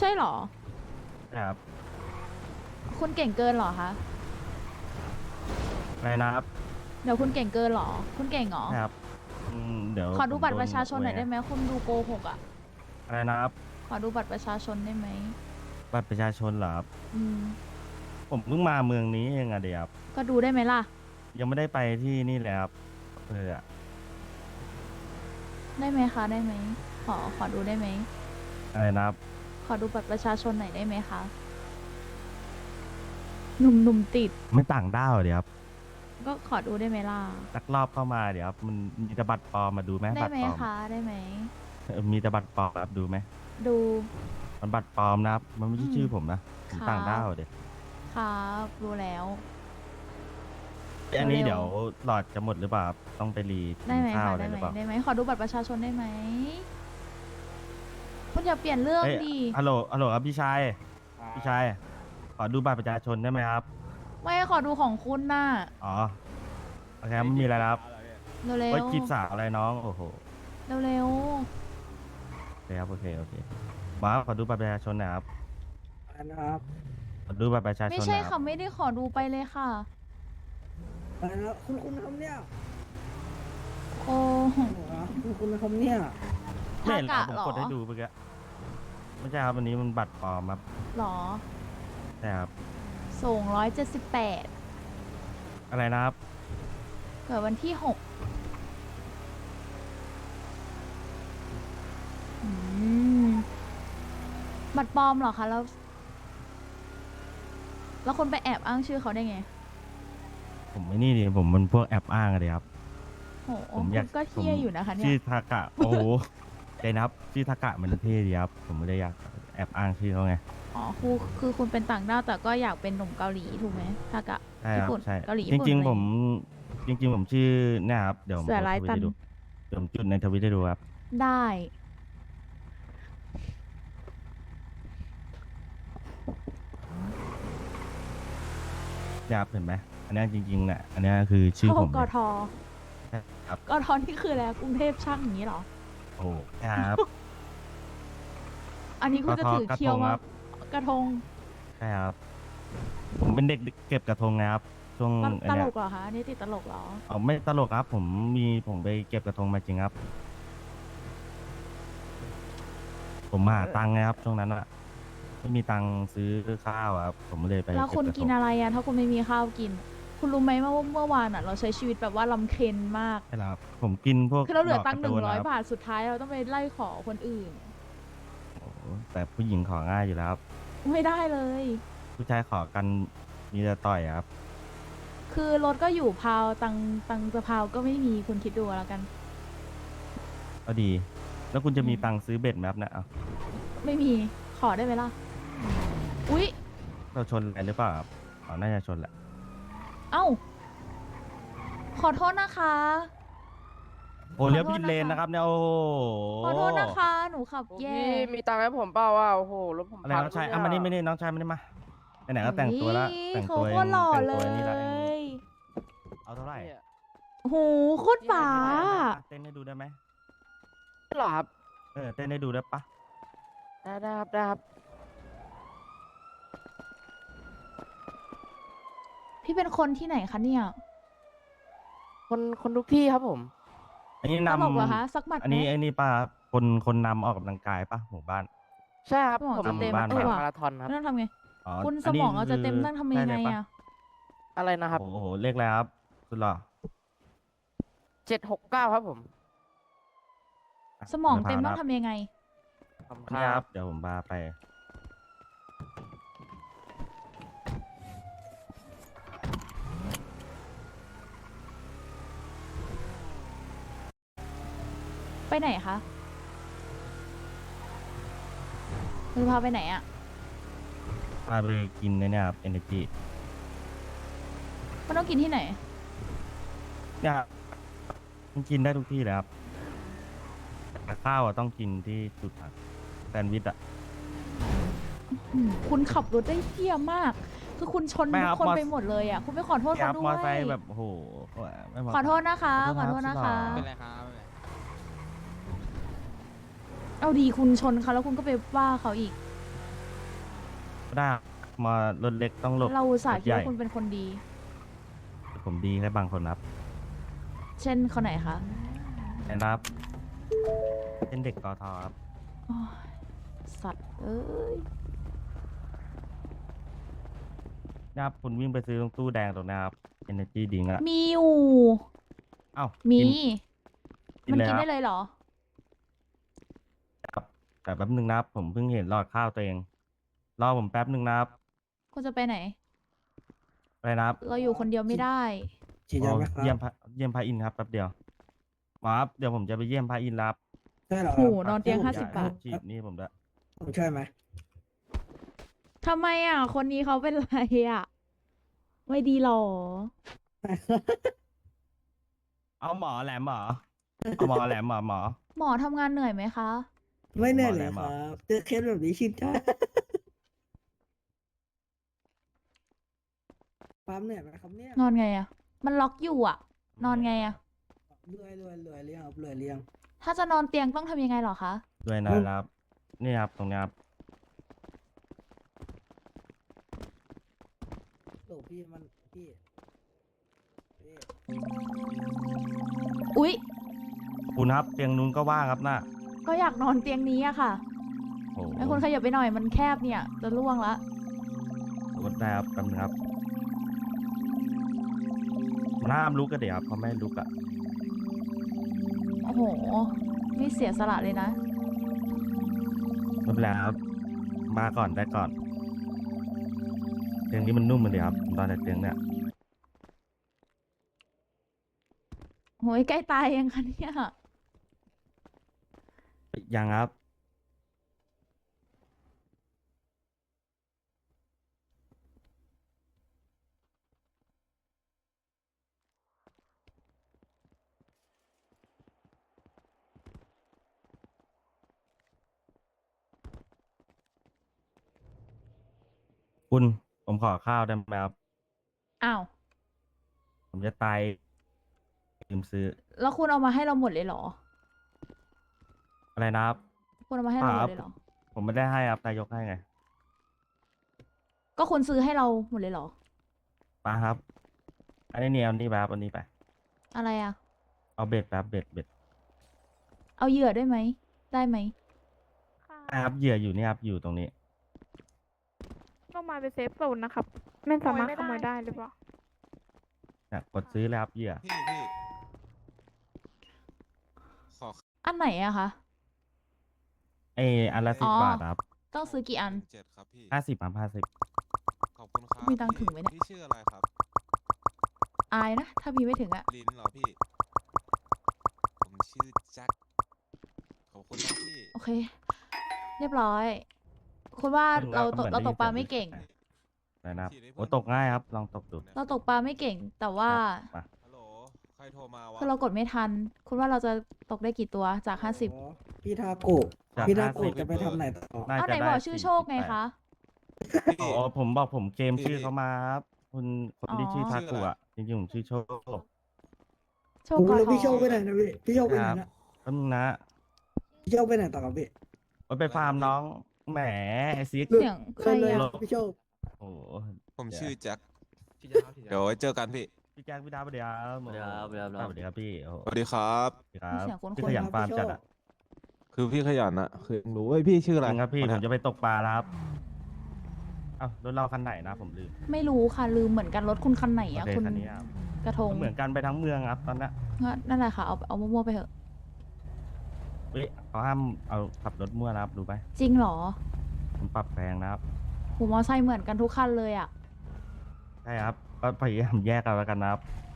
ช่เหรอครับคุณเก่งเกินเหรอคะอะไรนะครับเดี๋ยวคุณเก่งเกินเหรอคุณเก่งเหรอครับเดี๋ยวขอดูบัตผมโดนรประชาชนหน่อยไงได้ไหมคุณดูโกหกอ่ะอะไรนะครับขอดูบัตรประชาชนได้ไหมบัตรประชาชนเหรอครับอืมผมเพิ่งมาเมืองนี้เองอะเดี๋ยวครับก็ดูได้ไหมล่ะยังไม่ได้ไปที่นี่เลยครับอะได้ไหมคะได้ไหมขอดูได้ไหมอะไรนะครับขอดูบัตรประชาชนหน่อยได้ไหมคะหนุ่มติดไม่ต่างด้าวเดี๋ยวครับก็ขอดูได้ไหมล่ะลักลอบเข้ามาเดี๋ยวครับมันมีแต่บัตรปลอมมาดูไหมได้ไหมบัตรปลอมคะได้ไหมมีแต่บัตรปลอมครับดูไหมดูมันบัตรปลอมนะครับมันไม่อืมใช่ชื่อผมนะผมครับต่างด้าวเดี๋ยวครับรู้แล้วอันนี้เร็วเดี๋ยวหลอดจะหมดหรือเปล่าครับต้องไปรีๆกินข้าวได้ไหมคะอะไรหรือเปล่าได้ไหมขอดูบัตรประชาชนได้ไหมคุณอย่าเปลี่ยนเรื่องเอ้ยดิฮัลโหลครับพี่ชายพี่ชายขอดูบัตรประชาชนได้ไหมครับไม่ขอดูของคุณน่ะอ๋อโอเคครับไม่มีอะไรแล้วครับเร็ไว้วจีบสาวอะไรน้องโอ้โหเร็วเร็วโอเคครับโอเคโอเคบ้าสขอดูบัตรประชาชนหนะครับนะครับขอดูบัตรประชาๆไม่ชนหนะครับใช่ค่ะไม่ได้ขอดูไปเลยค่ะอะไรนะคุณทำเนี่ยโอ้โหคุณทำเนี่ยไม่ทากะเห็นครับผมเหรอกดให้ดูเมื่อกี้ไม่ใช่ครับวันนี้มันบัตรปลอมครับหรอใช่ครับส่ง178 อะไรนะครับเกิดวันที่6อืมบัตรปลอมเหรอคะแล้วคนไปแอบอ้างชื่อเขาได้ไงผมไม่นี่ดิผมมันพวกแอบอ้างอะเดียครับโหผมอยากคุณก็ผมเที่ยอยู่นะคะเนี่ชื่ยอทากะโอ้โหใจนะครับชื่อทากะมันเท่ดีครับผมไม่ได้อยากแอบอ้างชื่อเขาไงอ๋อคือคุณเป็นต่างด้าวแต่ก็อยากเป็นหนุ่มเกาหลีถูกไหมทากะใช่คญี่ปุ่นรับใช่เกาหลีจญี่ปุ่นอะไรริงๆผมจริงๆผมชื่อเนี่ยครับเดี๋ยวผมเสือโพสต์ร้ายตันทวิตให้ดูเดี๋ยวผมจุดในทวิตให้ดูครับได้เนี่ยครับเห็นไหมอันนี้จริงๆเนี่ยอันนี้คือชื่อผมกเลยทใช่ครับกทนี่คืออะไรกรุงเทพช่างอย่างนี้เหรอโอ้ครับอันนี้คุณจะถือกระทเคียวมางครับกระทงใช่ครับผมเป็นเด็กเก็บกระทงนะครับช่วงตอันเนี้ยลกเหรอคะอันนี้ติดตลกเหรอเอาไม่ตลกครับผมไปเก็บกระทงมาจริงครับผมหาตังค์ไงครับช่วงนั้นอะไม่มีตังค์ซื้อข้าวอะครับผมเลยไปแล้วคุณเก็บกระทงกินอะไรอะถ้าคุณไม่มีข้าวกิน คุณรู้ไหมว่าเมื่อวานอะเราใช้ชีวิตแบบว่าลำเค็ญมากใช่แล้วครับผมกินพวกคือเราเหลือดกตังกค์ระตูนนะครับ 100 บาทสุดท้ายเราต้องไปไล่ขอคนอื่นโอ้โหแต่ผู้หญิงของ่ายอยู่แล้วครับไม่ได้เลยผู้ชายขอกันมีแต่ต่อยอะครับคือรถก็อยู่พาวตังจะพาวก็ไม่มีคุณคิดดูแล้วกันก็ดี แล้วคุณจะมีอืมตังค์ซื้อเบ็ดไหมครับเนี่ยเอาไม่มีขอได้ไหมล่ะอุ๊ยเราชนอะไรหรือเปล่าครับอ๋อน่าจะชนแหละเอ้าขอโทษนะคะโอ้เลี้ยวผิดเลนนะครับเนี่ยโอ้โหขอโทษนะคะ หนูขับแย่พี่มีตังค์ให้ผมเปล่าว่าโอ้โหรถผมอะไรพังน้องชายด้วอ่ะมานี่ไม่นี่น้องชายมานี่มาไหนๆก็แต่งตัวแล้วแต่งเขาตัวโคตรหล่อแต่งเลตัวนี่แล้วยเอาเท่าไหร่เนี่ยโอ้โหโคตรป๋าเต้นให้ดูได้ไหมเหรอครับเต้นให้ดูได้ปะได้ครับได้ครับพี่เป็นคนที่ไหนคะเนี่ยคนทุกที่ครับผมอันนี้ตลกเหรอคะนำสักหมัดอันไหมนี้ป้าคนนำออกกำลังกายปะหมู่บ้านใช่ครับสมองผมจะเต็มแข่งเออว่ะมาราธอนครับนั่นทำไงอ๋อคุณสอันนี้มองเราจะเต็มคือนั่นทำยังไงด้เลยปะอะอะไรนะครับโอ้โหเลขอะไรครับสุดหล่อ 769ครับผมอ่ะสมองเต็มดี๋ต้ยวองพาทำยังไงขอบคุณนี่คครัรับ บเดี๋ยวผมพาไปไปไหนคะคุณพาไปไหนอะพาไปกินในเนี่ยครับ energy มันต้องกินที่ไหนเนี่ยครับมันกินได้ทุกที่เลยครับแต่ข้าวอ่ะต้องกินที่จุดผักแซนด์วิชอ่ะคุณขับรถได้เที่ยมาก คือคุณชนไม่ทุครักบคนมอไปหมดเลยอ่ะ คุณไม่ขอโทษครัเขาบด้มวอไซยค์แบบโอ้โหไม่เหมาะขอโทษนะคะ ขอโทษนะคะสุดหล่อเป็นไรครับไม่เป็นไรเอาดีคุณชนเขาแล้วคุณก็ไปว่าเขาอีกได้มารถเล็กต้องหลบเราอุตส่าห์รถคิดใหญ่ว่าคุณเป็นคนดีผมดีแค่บางคนครับเช่นคนไหนคะนะครับเป็นเด็กกทครับโอ้ยสัตว์เอ้ยนะครับคุณวิ่งไปซื้อตรงตู้แดงตรงนะครับ Energy Drink อะมีอยู่เอ้ามีกิมันเลยกินคได้รับเลยเหรอครับแต่แป๊บนึงนะครับ ผมเพิ่งเห็นหลอดข้าวตัวเอง รอผมแป๊บนึงนะครับคุณจะไปไหนไปนะครับเราอยู่คนเดียวไม่ได้ฉีดยาไหมคเยี่ยรัมบเยี่ยมพระอินทร์ครับแป๊บเดียวหมอครับเดี๋ยวผมจะไปเยี่ยมพระอินทร์รับใช่เหรอโหครับนอนเตียงผม 50 บาทฉีดนี่ผมด้วยผมช่วยไหมทำไมอ่ะ คนนี้เขาเป็นไรอ่ะ ไม่ดีหรอเอาหมอแหลมหมอเอาหมอแหลมหมอหมอทำงานเหนื่อยไหมคะไม่เหนื่อยหมอเลไหนยหมคอรับเจอเคสแบบนี้ชินใจปั๊มเหนื่อยไหมครับเนี่ยนอนไงอ่ะ มันล็อกอยู่อ่ะ นอนไงอ่ะรวยเลี้ยงครับรวยเลี้ยงถ้าจะนอนเตียงต้องทำยังไงเหรอคะด้วยนะครับ นี่ครับตรงนี้ครับโอ้พี่มันพี่อุ๊ยคุณครับเตียงนู้นก็ว่างครับน่ะก็อยากนอนเตียงนี้อะค่ะโอ้โหไอ้คนขยับไปหน่อยมันแคบเนี่ย จะล่วงละกดได้ครับแป๊บนึงครับมันห้ามลุกก็เดี๋ยวครับเขาไม่ให้ลุกอ่ะโอ้โห นี่เสียสละเลยนะไม่เป็นไรครับมาก่อนได้ก่อนเตียงนี้มันนุ่มเลยครับตอนแต่เตียงเนี่ยโหยใกล้ตายยังคะเนี่ยยังครับคุณผมขอข้าวได้ไหมครับอ้าวผมจะตายลืมซื้อแล้วคุณเอามาให้เราหมดเลยเหรออะไรนะครับคุณเอามาให้เราหมดเลยเหรอผมไม่ได้ให้ครับนายกให้ไงก็คุณซื้อให้เราหมดเลยเหรอมาครับ อันนี้เนี่ยเอานี่ไปครับอันนี้ไปอะไรอะเอาเบ็ดไปครับเบ็ดเอาเหยื่อด้วยไหม ได้ไหมนะครับเหยื่ออยู่นี่ครับอยู่ตรงนี้ก็มาเป็นเซฟโซนนะครับ ไม่สามารถขโมยได้หรือเปล่าเนี่ยกดซื้อเลยครับเหยื่อพี่ขออันไหนอะคะอันละอ๋อ 10 บาทครับต้องซื้อกี่อัน 7ครับพี่ 50ครับ50 ขอบคุณครับมีตังค์ถึงไหมเนี่ยพี่ชื่ออะไรครับอายนะ ถ้ามีไม่ถึงอะลิ้นเหรอพี่ ผมชื่อแจ็ค ขอบคุณนะพี่โอเค เรียบร้อย คุณว่าเราตกเหมือนเราตกปลาได้ยินไม่เก่งนะครับฉีดให้เพื่โอ้อนตกง่ายครับ ลองตกดูเราตกปลาไม่เก่ง แต่ว่ามาฮัลโหล ใครโทรมาวะคือเรากดไม่ทัน คุณว่าเราจะตกได้กี่ตัวจาก 50 อ๋อพี่ทาโกะจากพี่ทา 50 โกะจะไปทำไหนต่อน่าเอาจะไหนได้บอกชื่อโชคไง 48 คะพี่อ๋อผมบอกผมเกมชื่อเขามาครับคุณคนที่อ๋อชื่อทากุอ่ะจริงๆผมชื่อโชคโชคผมกอแล้วทพี่โชคไปอไหนนะพี่พี่โชคไปไหนนะแป๊บนึงนะพี่โชคไปไหนต่อครับพี่ว่าไปฟาร์มน้องแหมไอซิกเสียงใครเลยอะพี่โชคโอ้โหผมชื่อแจ็ค เดี๋ยวไว้เจอกันพี่พี่แจ็คพี่ดาวสวัสดีครับสวัสดีครับสวัสดีครับพี่โอ้โหสวัสดีครับสวัสดีครับเสียงคุ้นๆพี่ขยันฟาร์มจัดอ่ะคือพี่ขยันอะคือรู้ว่าพี่ชื่อจอะไรริงครับพี่คนผเนี้มยจะไปตกปลาแล้วครับเอ้ารถเราคันไหนนะผมลืมไม่รู้ค่ะ ลืมเหมือนกันรถคุณคันไหนโออะเคคุณคันนี้ครับกระทงเหมือนกันไปทั้งเมืองครับตอนเนี้ยงั้นนั่นแหละค่ะ เอามั่วๆไปเถอะเฮ้ยเขาห้ามเอาขับรถมั่วนะครับดูไปจริงเหรอผมปรับแพงนะครับหูมอไซค์เหมือนกันทุกคันเลยอะใช่ครับก็พยายามแยกกันแล้วกันนะครับ